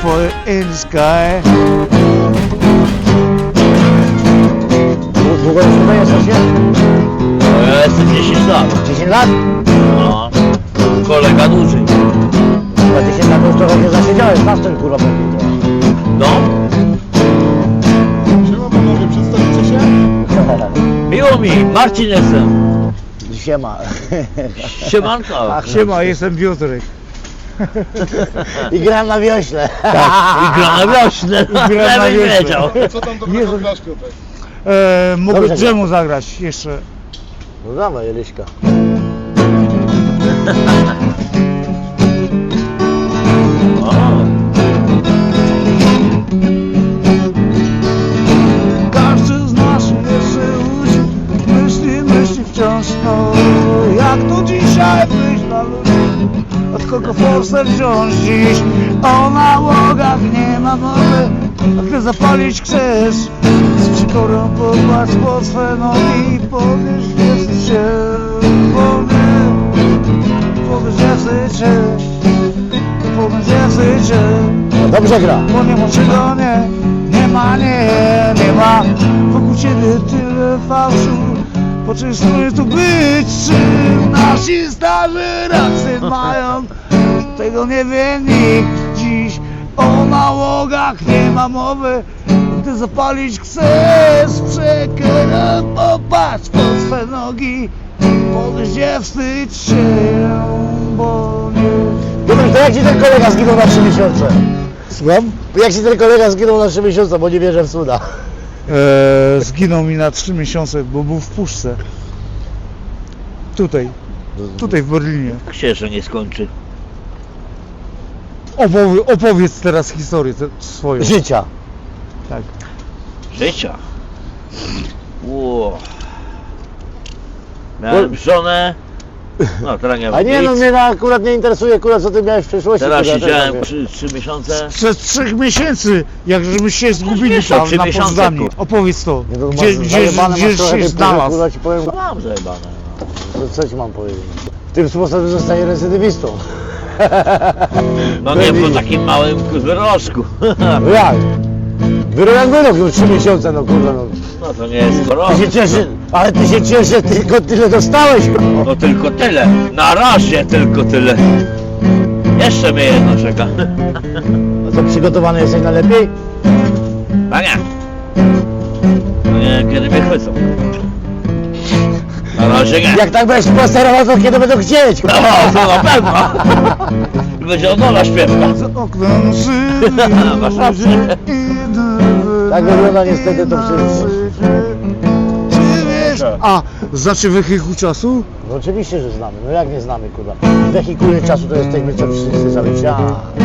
for in the sky. Długo już tutaj jesteście? No ja jestem 10 lat. 10 lat? No. Kolega dłużej. Chyba 10 lat już trochę nie zasiedziałeś, na tym kurwa będzie to. No. Siema panowie, przedstawicie się? Miło mi, Marcin jestem. Siema. Siemanko. Siema, jestem Piotrek. I gram na wiośle. I gra na wiośle. gra na Żebym wiośle. wiedział. Co tam dobrego grasz, Piotrek? Mogę Dobrze dżemu zagrać jeszcze. No dawaj, Eliśka. O. Każdy z nas jeszcze myśli wciąż, no jak to dzisiaj wyjść na ludzi, od kogo forsę wziąć dziś, o nałogach nie ma mowy, a ty zapalić chcesz, z przykorą popatrz pod swe nogi, powiesz, jest się wolny, powiesz, jest się, powiesz, jest się. No dobrze gra. Bo nie ma czego nie ma wokół ciebie tyle fałszu. Poczęstuje tu być, czy nasi starzy rację mają. Tego nie wie nikt dziś, o nałogach nie ma mowy. Ty zapalić chcesz, przekerę, popatrz pod swe nogi. Powiedz, nie wstydź się, bo nie... Piotrek, to jak ci ten kolega zginął na 3 miesiące? Słucham? Jak ci ten kolega zginął na 3 miesiące, bo nie wierzę w cuda. Zginął mi na 3 miesiące, bo był w puszce. Tutaj w Berlinie. Jak się jeszcze nie skończy. Opowiedz teraz historię swoją. Życia. Tak. Życia. Ło. Miałem żonę. No teraz nie A nie, no mnie akurat nie interesuje, kurwa, co ty miałeś w przeszłości. Teraz kurwa, siedziałem też nie 3 miesiące. Przez 3 miesięcy, jak żeśmy się zgubili wiesz, tam 3 na miesiące, Poznaniu. kurwa. Opowiedz to. wiem. Nie, to Gdzie masz zajebane, masz trochę się tej znalazł? kurwa, ci powiem, Mam zajebane. co ci mam powiedzieć. Tym sposobem zostanie recydywistą. No nie po takim małym wyrożku. No jak? Wyrok wyrok, już 3 miesiące, no kurwa, no. No to nie jest Ty choroba. się cieszy, ale ty się cieszy, tylko tyle dostałeś, kurwa. No tylko tyle. Na razie tylko tyle. Jeszcze mnie jedno czeka. A co, przygotowany jesteś na lepiej? A nie. No nie wiem kiedy mnie chwycą. Na razie nie. Jak tak będziesz posterował, to kiedy będą chcieć? No to na pewno. Będzie Odola śpiewa. Za oknem Masz rację. Tak wygląda niestety to wszystko. Czy wiesz? A, znaczy wehikuł czasu? No oczywiście, że znamy, no jak nie znamy, kurwa. W wehikule czasu to jesteśmy co wszyscy cały czas.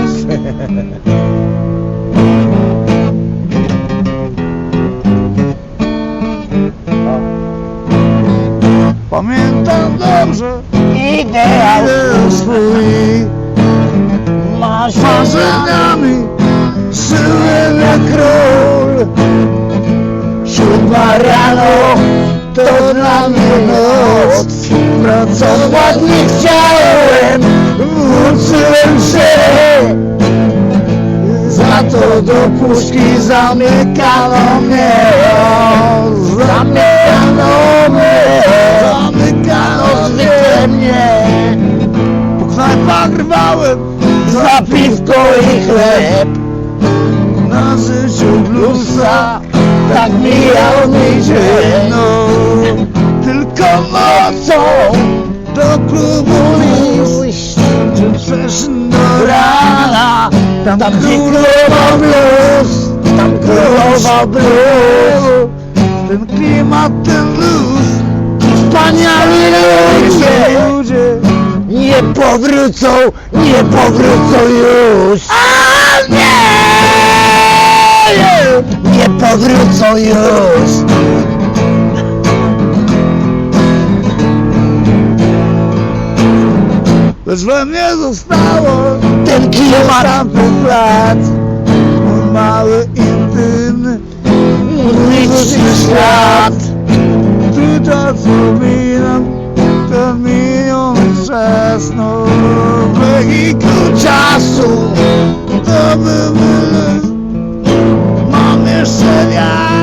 Pamiętam dobrze Ideał swój marzeniami żyłem jak król. 7 rano to dla mnie noc. Pracować nie chciałem, włóczyłem się. Za to do puszki zamykano mnie. Zamykano mnie. Zamykano mnie. Po knajpach rwałem Za piwko i chleb. na życiu bluesa. Tak mijał mi dzień. No, tylko nocą do klubu iść, czy przeszedł do rana. Tam królował blues. Tam królował blues. ten klimat, ten luz. Wspaniali ludzie nie powrócą już. A nie powrócą już. Lecz we mnie zostało Ten klimat tamtych lat. Mój mały, intymny, muzyczny świat. ty to co minam, ten miniony czas. No, wehikuł Czasu to by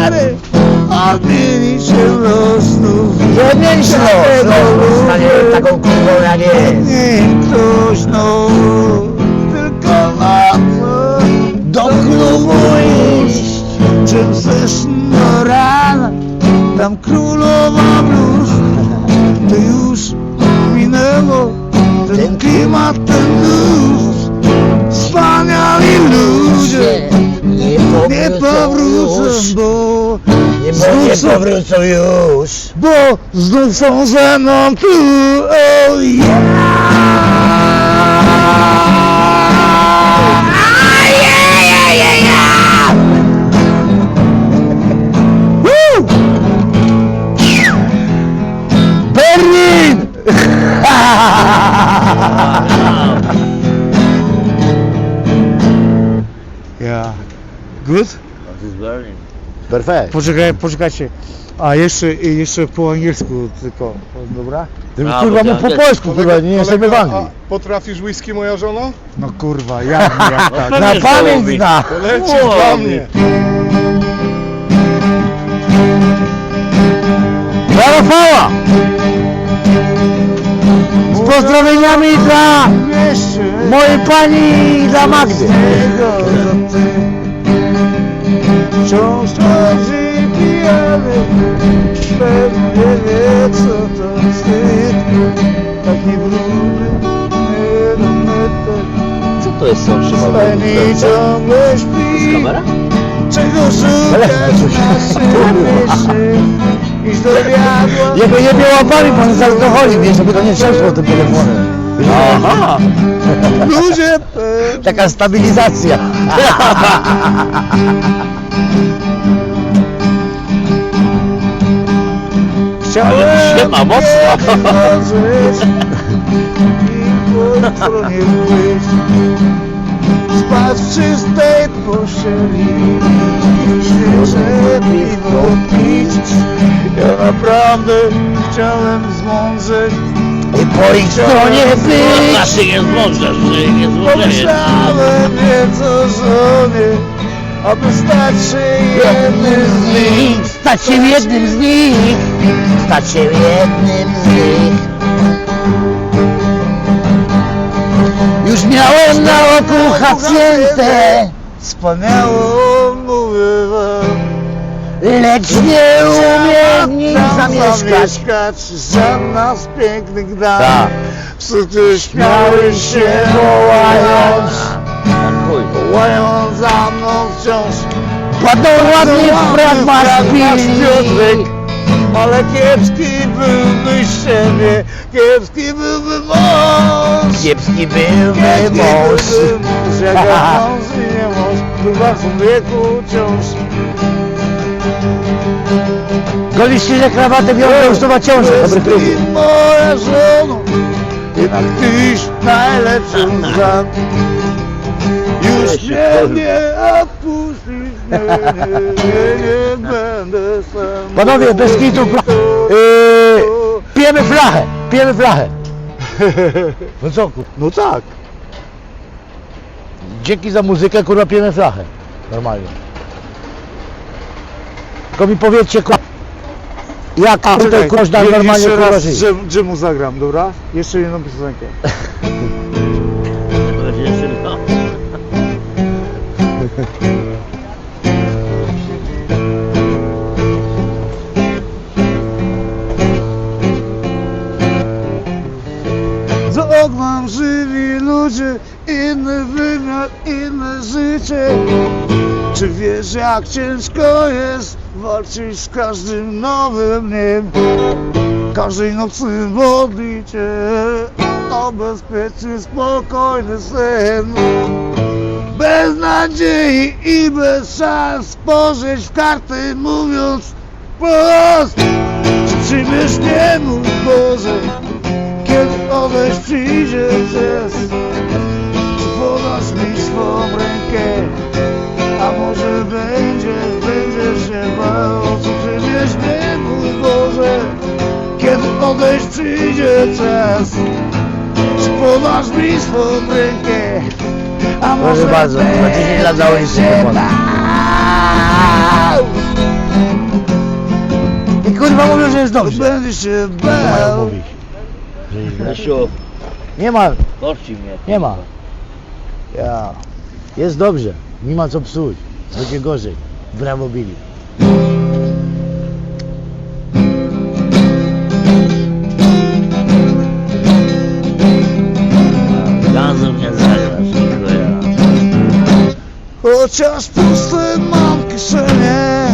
stary, odmieni się los znów. Nie mieliś los, stanie taką kurwą jak jest. Niech ktoś znów, tylko nocą Do klubu iść. czym chcesz do rana, tam królowa blues. To już minęło, ten klimat, ten blues. Wspaniali ludzie nie powrócą, bo Nie znów są, powrócą już. bo znów są ze mną tu. Oh Berlin! Yeah. Good? That is Berlin. Perfekt. Poczekajcie. A jeszcze po angielsku tylko, dobra? A, Kurwa, bo mów po to- polsku, kurwa, nie jesteśmy w Anglii. A potrafisz whisky, moja żona? No kurwa, jak tak? No Na pewnie, że pamięć mówi. zna. To lecisz Łowi. dla mnie. Dla Rafała! Z pozdrowieniami dla mojej pani i dla Magdy. Wciąż chodzi pijany, pewnie wie co to wstyd. Taki brudny, Co to jest są Pani ciągle śpi. Kamera? Czego szukać na szybie? Iść do diabła. Jego jebie łapami, pan z alkoholi, wiesz, żeby to nie trzęsło tym telefonem. Aha! Ludzie Taka stabilizacja. chciałem się ma mocno. wierzyć i po stronie wyjść. Spać w czystej pościeli i świeże piwo pić. Ja naprawdę chciałem zmądrzeć. I po ich stronie być. Znaczy nie złożesz, że nie złożesz. Pomyślałem nieco żonie, aby stać się jednym z nich. Stać się jednym z nich. Stać się jednym z nich. Już miałem na oku hacjentę, Wspaniałą mówię wam. lecz nie umiem w nim zamieszkać. Żadna z pięknych dam. Tak. Wszyscy śmiały się wołając, wołając za mną wciąż. Ładną ładnie fragmat Piotrek. chwili. Ale kiepski byłby z siebie, kiepski byłby mąż. Kiepski byłby mąż. Jak ja mąż i nie mąż, chyba w wieku wciąż. Golisz się, że krawatę biorą, już to ma ciążę. Dobry klub. Ty moja żono, jednak tyś najlepszą znam. Już mnie nie odpuścisz, nie będę sam. Panowie, bez kitu, pijemy flachę, pijemy flachę. No co, kurwa? No tak. Dzięki za muzykę, kurwa, pijemy flachę. Normalnie. Tylko mi powiedzcie, kurwa, jak tutaj można normalnie, jeszcze kurwa, raz żyć. Dżemu zagram, dobra? Jeszcze jedną piosenkę. Za oknem żywi ludzie, inny wymiar, inne życie. Czy wiesz, jak ciężko jest walczyć z każdym nowym dniem? Każdej nocy modlić się o bezpieczny, spokojny sen. Bez nadziei i bez szans spojrzeć w karty, mówiąc wprost: czy przyjmiesz mnie, mój Boże, kiedy odejść przyjdzie czas? Czy podasz mi swą rękę, a może będziesz się bał? Czy przyjmiesz mnie, mój Boże, kiedy odejść przyjdzie czas? Czy podasz mi swą rękę, a Proszę może bardzo, za 10 lat założyć się będziesz się telefon. bał? kurwa mówią, że jest to dobrze. będzie się Co mają bał. mówić? Że jest źle? Rysiu, Nie ma, korci mnie. nie ma. Ja. Jest dobrze, nie ma co psuć. Będzie gorzej. Brawo Billy. Gazu mnie zalewasz, tylko ja. Chociaż puste mam kieszenie,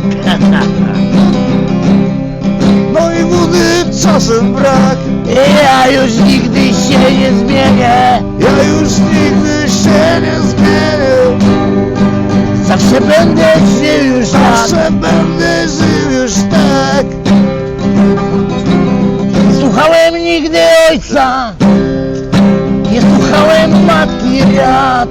no i wody czasem brak. Ja już nigdy się nie zmienię. Ja już nigdy się nie zmienię. Zawsze będę żył już tak. Zawsze będę żył już tak. Nie słuchałem nigdy ojca. Nie słuchałem matki rad.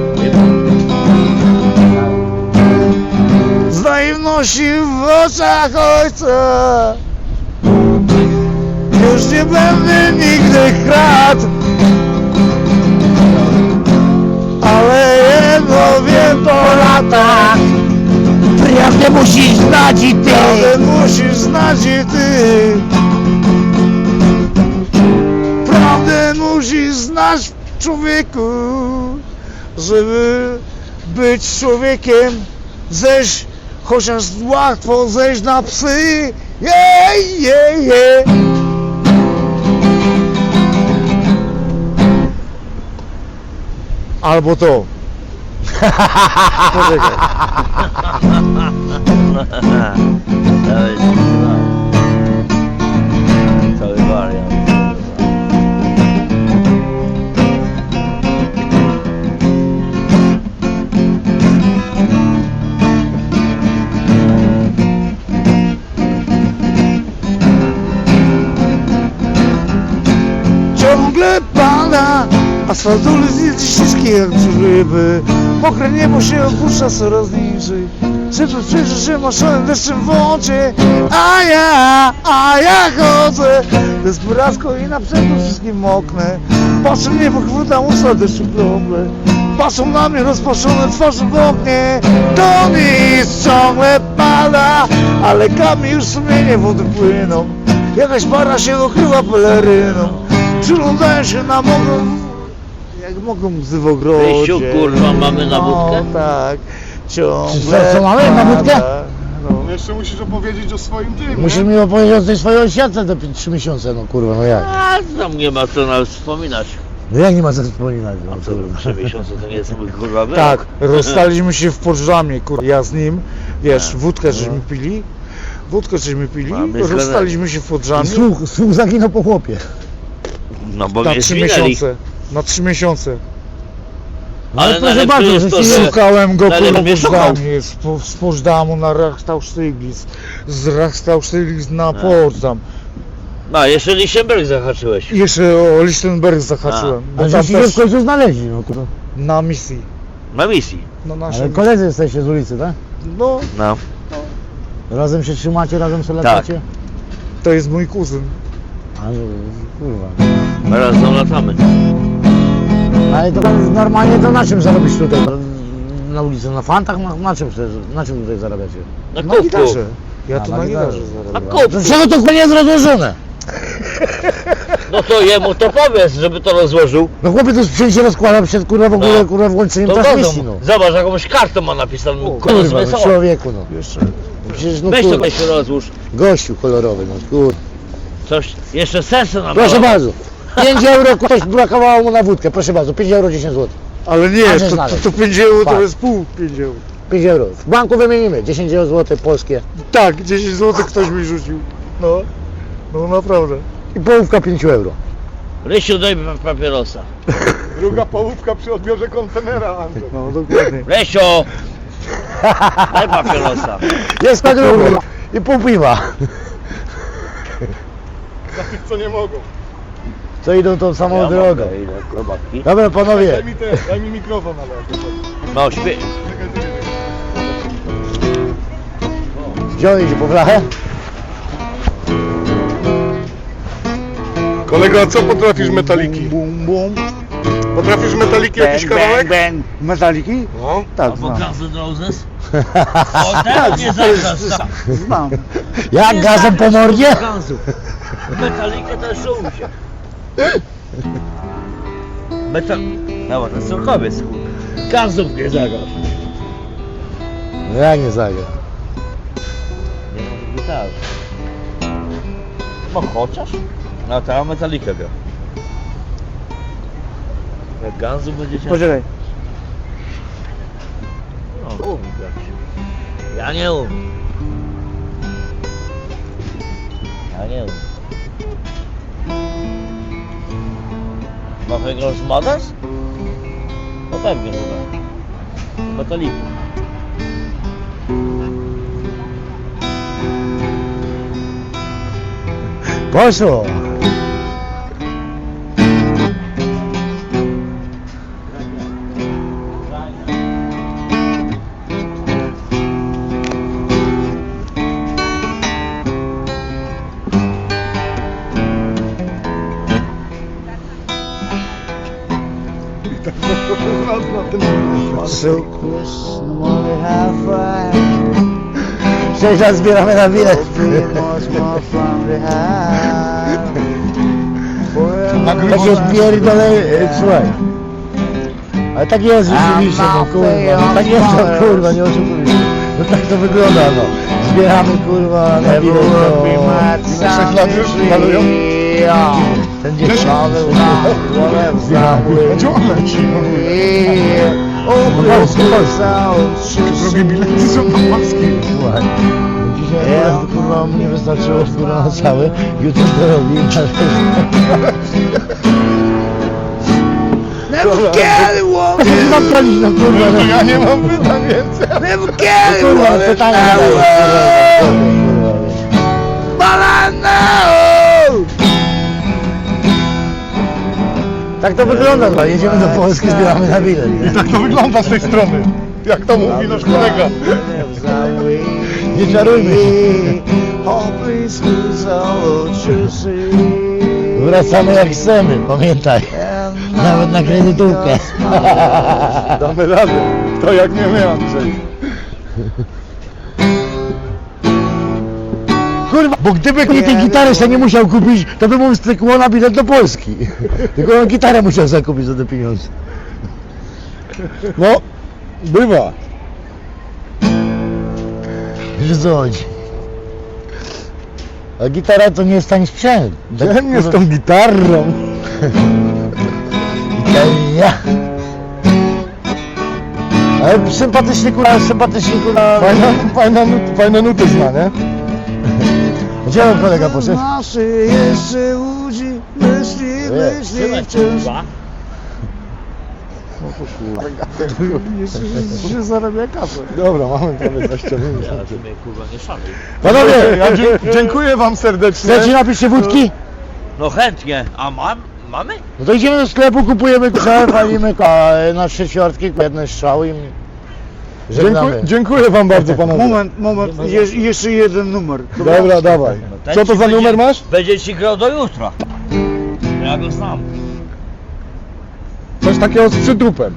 Z naiwności w oczach ojca już nie będę nigdy kradł. Ale jedno wiem po latach, Prawdę musisz znać i ty. prawdę musisz znać i ty. Prawdę musisz znać, człowieku, żeby być człowiekiem. Zejść, chociaż łatwo zejść na psy. Jej, jej, jej. Albo to. Poczekaj. Cały wariant. Ciągle pada, asfaltu jest śliskie jak grzyby. Mokre niebo się opuszcza coraz niżej. Szybko przyjrzy się maszonem deszczem w oczy. A ja chodzę desperacko i na brzegu wszystkim moknę. Patrzę w niebo, chwytam usta deszczu krople. Patrzą na mnie rozpaszone twarze w oknie. To nic ciągle pada, ale kami już sumienie wody płyną. Jakaś para się okryła peleryną. Przyglądają się na mogą, jak mogą łzy w ogrodzie. Rysiu, kurwa, mamy na wódkę? No tak, ciągle Co mamy na wódkę? pada. No. Jeszcze musisz opowiedzieć o swoim tym, Musisz nie? mi opowiedzieć o tej swojej osiadce te 3 miesiące, no kurwa, no jak? A tam nie ma co nawet wspominać. No jak nie ma co wspominać? No, A co, 3 miesiące to nie jest mój kurwa był. Tak, rozstaliśmy się w Poczdamie, kurwa. Ja z nim, wiesz, wódkę żeśmy pili. Wódkę żeśmy pili, Mamy rozstaliśmy się w Poczdamie Słuch zaginął po chłopie. No bo na mnie 3 zwinęli. miesiące. Na 3 miesiące. Ale proszę najlepsze bardzo, jest to, że że... Szukałem go Ale kurwa mnie w szukał. Poczdamie, z Poczdamu na Rachstausztyglitz, z Rachstausztyglitz na Poczdam. No, jeszcze Lichtenberg zahaczyłeś. I jeszcze o Lichtenberg zahaczyłem, A bo że tam się w też końcu znaleźli, no kurwa. na misji, Na misji. na Ale naszym, koledzy jesteście z ulicy, tak? no No. Razem się trzymacie, razem sobie latacie? to jest mój kuzyn. A, no, kurwa. Razem latamy. Ale to normalnie to na czym zarobisz tutaj? Na ulicy, na fantach? Na czym tutaj zarabiacie? Na Na kubku. gitarze. Ja A, tu na na gitarze. gitarze Na zarabiam. kubku. Dlaczego to kurwa nie jest rozłożone? No to jemu to powiedz, żeby to rozłożył. No chłopie, to sprzęt się rozkłada przed kurwa w ogóle, No. kurwa włączeniem To transmisji, no. godą. Zobacz, jakąś kartą ma napisaną. Kurwa, no człowieku, no. Jeszcze. Przecież no Weź to kurwa, weź się rozłóż. gościu kolorowy, no kurwa. Coś, jeszcze sensy nam Proszę dało. bardzo. 5 euro, ktoś brakowało mu na wódkę, proszę bardzo, 5 euro, 10 zł. Ale nie, Masz to znaleźć. 5 euro to Tak. jest pół 5 euro. 5 euro. W banku wymienimy, 10 zł polskie. Tak, 10 zł ktoś mi rzucił. No, no naprawdę. I połówka 5 euro. Rysiu, daj papierosa. Druga połówka przy odbiorze kontenera, Andrzej. No dokładnie. Rysiu! Daj papierosa. Jest kadruby i pół piwa. Dla tych, co nie mogą. Co idą tą samą Ja drogą. mogę, ile robaki. Dobra panowie, Daj mi mikrofon, ale... No, śpie... Czekaj, ty nie. wziąłeś się po flachę? Kolego, a co potrafisz metaliki? Bum, bum, bum. Potrafisz metaliki jakiś Bang, kawałek? bang, bang. Metaliki? No. Tak, Albo znam. Guns N' Roses? O, teraz mnie zagrasz. Znam. Jak gazem po mordzie? Gunsów. Metalikę też czuł się. No, to surkowiec, kurwa. Gunsów nie zagrasz. No jak nie zagra? Nie mam gitary. No chociaż? No teraz metalikę gra. Jak Gunsów będzie cię... Poczekaj. No, umiem grać. Ja nie umiem. Ja nie umiem. Ma wygrać z Modas? No pewnie, że tak. Metaliku. Poszło! So close, no more halfway. 6 lat zbieramy na bilet. Hopefully much more fun we have. Takie pierdolę, słuchaj. Ale tak jest rzeczywiście, no kurwa, no tak jest to kurwa, nie oszukujmy się. No tak to wygląda, no. Zbieramy kurwa na bilet, no. 6 lat już malują? Ten dzień. Będzie on leci. Drogie bilety są na Polski. Słuchaj. Dzisiaj akurat, kurwa mnie wystarczyło kurwa na cały. Jutro to robi. Never get it, woman. Zapalić no kurwa. To ja nie mam pytań więcej. Never get it, Kurwa, woman. pytanie But I know. tak to wygląda, no. Jedziemy do Polski, zbieramy na bilet. I tak to wygląda z tej strony. Jak to mówi nasz kolega. Nie czarujmy się. Wracamy jak chcemy, pamiętaj. Nawet na kredytówkę. Damy radę. Kto jak nie my, Andrzej. Kurwa, bo gdyby nie tej gitary sobie nie musiał kupić, to by mu stykło na bilet do Polski. Tylko on gitarę musiał sobie kupić za te pieniądze. No, bywa. Wiesz co chodzi? A gitara to nie jest tani sprzęt. Dziennie z tą gitarą. Ja. Ale sympatycznie kurwa. Fajne nuty zna, nie? Gdzie on kolega poszedł? Nasze jeszcze łudzi, myśli wciąż. Jeszcze się zarabia kasę. Dobra, mamy prawie 20 minut. Ja, że mnie kurwa nie szanuj. Panowie, Ja dziękuję wam serdecznie. chcecie napić się wódki? No chętnie. A mamy? No to idziemy do sklepu, kupujemy ksę, palimy na 3 ćwiartki, jedne strzały i żegnamy. Dziękuję wam bardzo, panowie. Moment, jeszcze jeden numer. Dobra, dawaj. Ten Co to ci za będzie- numer masz? Będzie ci grał do jutra. Ja go znam. Coś takiego z przytrupem.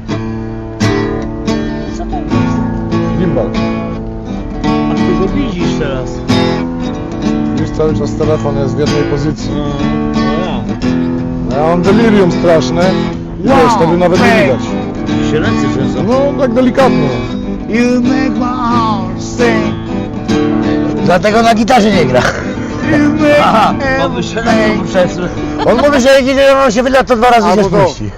Co to jest? Gimbal. A ty go widzisz teraz. Wiesz, cały czas telefon jest w jednej pozycji. No, Ja mam delirium straszne. I wiesz, wtedy nawet nie widać. ja. Się ręce trzęsą. No, tak delikatnie. You make my heart sing. Dlatego na gitarze nie gra. You make Aha, bo by się ręce everything. przesły. On mówi, że jak idzie, on się wyda, to 2 razy się Albo to. spuści.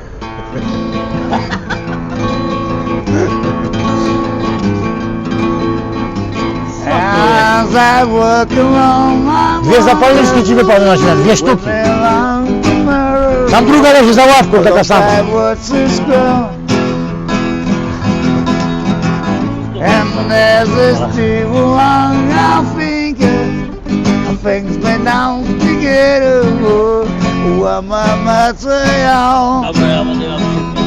As I walk along my 2 zapalniczki ci wypadły na śmiech, 2 sztuki. Tam druga leży za ławką, taka sama. And there's this table along our fingers. Our things been down together. What my material. Dobra, ja będę miał przykład.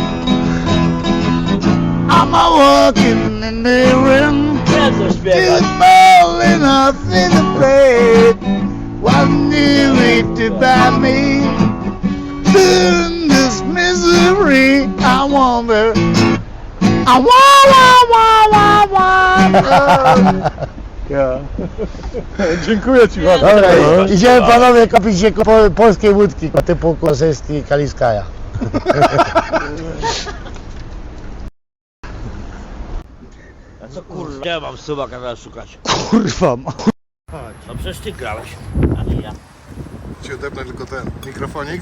I'm a walking in the room. Nie co Too śpiewać. small enough in the bed. Wasn't you it to buy me? Soon this misery. I wonder. I wonder. Ja. Dziękuję ci bardzo. Dobra, idziemy panowie kupić się polskiej łódki typu Kosewski i Kaliskaja. A co kurwa? Gdzie mam subaka teraz szukać? Kurwa. No przecież ty grałeś, a nie ja. Ci odepnę tylko ten mikrofonik.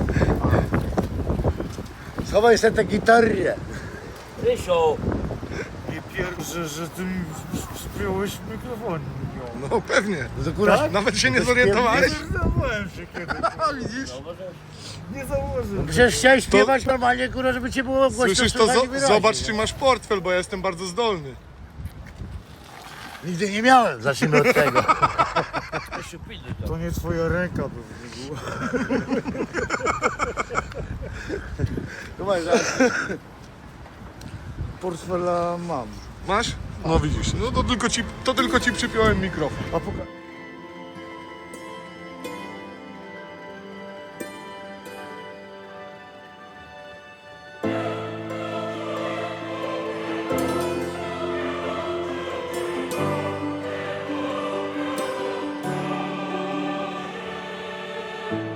Schowaj sobie tę gitarę. Rysiu! Nie pierwsze, że ty mi spiąłeś mikrofon. No pewnie. To kurwa, Nawet się nie zorientowałeś? Zauważyłem się kiedyś. Widzisz? Nie zauważyłem. przecież chciałeś śpiewać normalnie, kurwa, żeby cię było głośno Słyszysz to? słychać i wyraźnie. Zobacz, czy masz portfel, bo ja jestem bardzo zdolny. Nigdy nie miałem, zacznijmy od tego. Rysiu, pilnuj to. To nie twoja ręka by była. Portfela mam. Masz? No widzisz, no to tylko ci przypiąłem mikrofon. A poka-